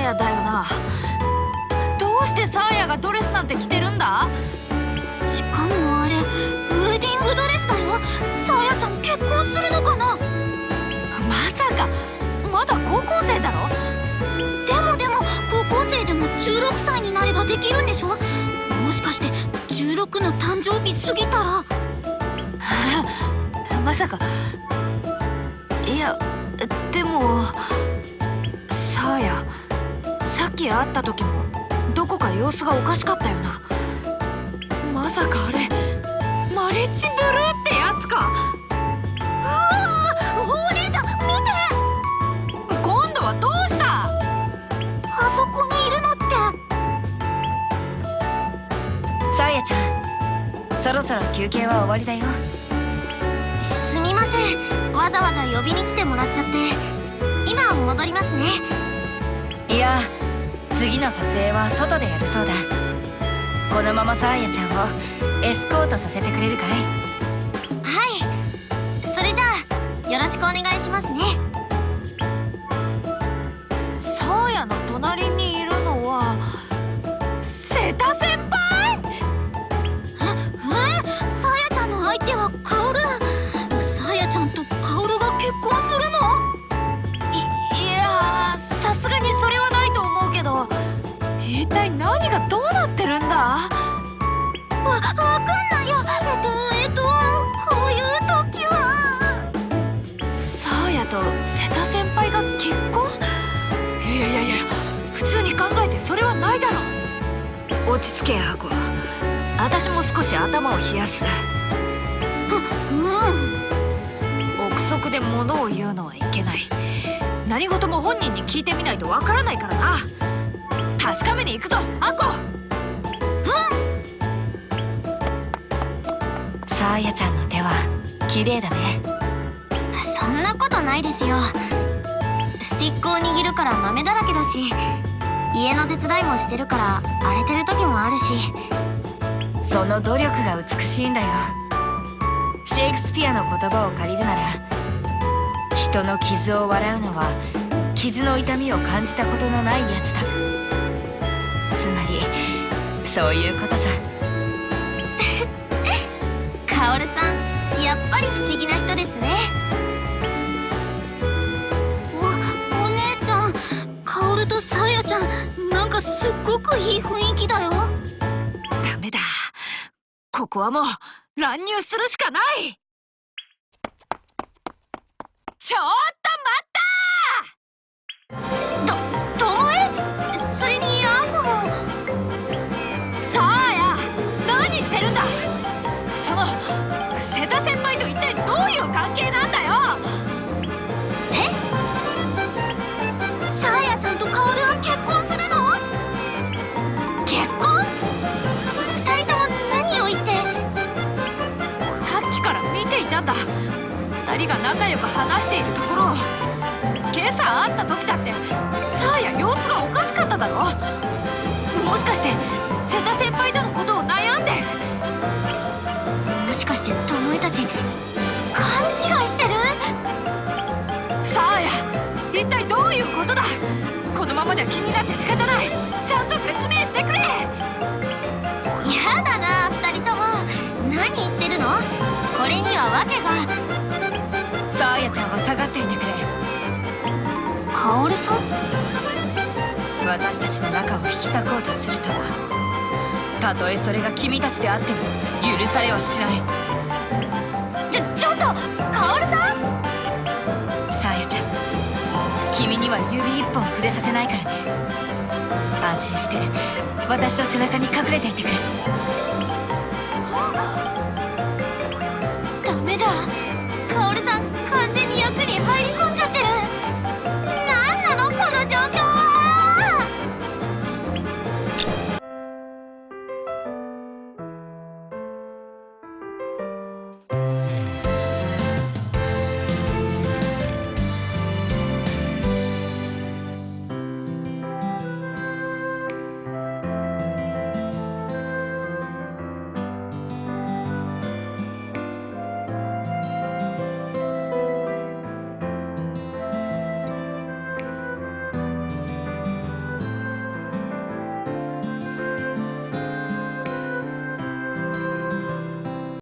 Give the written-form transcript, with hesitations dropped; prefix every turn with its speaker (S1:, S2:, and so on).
S1: やだよな。どうしてサーヤがドレスなんて着てるんだ？
S2: しかもあれウェディングドレスだよ。サーヤちゃん結婚するのかな？
S1: まさかまだ高校生だろ？
S2: でも高校生でも16歳になればできるんでしょ？もしかして16の誕生日過ぎたら。
S1: まさか。いやでもサーヤ、さっき会った時もどこか様子がおかしかったよな。まさかあれマリッジブルーってやつか？
S2: うわー、お姉ちゃん見て！
S1: 今度はどうした？
S2: あそこにいるのって
S1: サーヤちゃん、そろそろ休憩は終わりだよ。
S2: すみません、わざわざ呼びに来てもらっちゃって。今戻りますね。
S1: いや、次の撮影は外でやるそうだ。このままサーヤちゃんをエスコートさせてくれるかい？
S2: はい、それじゃあよろしくお願いしますね。
S1: サーヤの隣にいるのは瀬田先輩？
S2: サーヤちゃんの相手はカオル。サーヤちゃんとカオルが結婚するの？
S1: いやー、さすがにそれはないと思うけど、一体何がどうなってるんだ？
S2: わかんないよ。こういう時は
S1: サーヤと瀬田先輩が結婚？いや、普通に考えてそれはないだろ。落ち着けアコ。私も少し頭を冷やす。憶測で物を言うのはいけない。何事も本人に聞いてみないとわからないからな。確かめに行くぞアコ。サーヤちゃんの手は綺麗だね。
S2: そんなことないですよ。スティックを握るから豆だらけだし、家の手伝いもしてるから荒れてる時もあるし。
S1: その努力が美しいんだよ。シェイクスピアの言葉を借りるなら、人の傷を笑うのは傷の痛みを感じたことのないやつだ。つまりそういうことさ。
S2: カオルさん、やっぱり不思議な人ですね。お姉ちゃん、カオルとサーヤちゃん、なんかすっごくいい雰囲気だよ。
S1: ダメだ、ここはもう乱入するしかない。ちょっと待った！
S2: ともえ？それにアコも。
S1: サーヤ、何してるんだ？その瀬田先輩と一体どういう関係なんだよ？
S2: サーヤちゃんとカオルは結婚するの？結婚？二人とも何を言って。
S1: さっきから見ていたんだ。二人が仲良く話しているところを。今朝会った時だってサーヤ様子がおかしかっただろ。もしかして瀬田先輩とのことを悩んで。
S2: もしかしてともえたち勘違いしてる？
S1: サーヤ、一体どういうことだ？このままじゃ気になって仕方ない。ちゃんと説明してくれ。
S2: やだな、二人とも。何言ってるの？これには訳が。
S1: サーヤちゃんは下がっていてくれ。
S2: カオルさん？
S1: 私たちの仲を引き裂こうとするとは、たとえそれが君たちであっても許されはしない。
S2: ちょっとカオルさん！
S1: サーヤちゃん、君には指一本触れさせないからね。安心して私の背中に隠れていてくれ。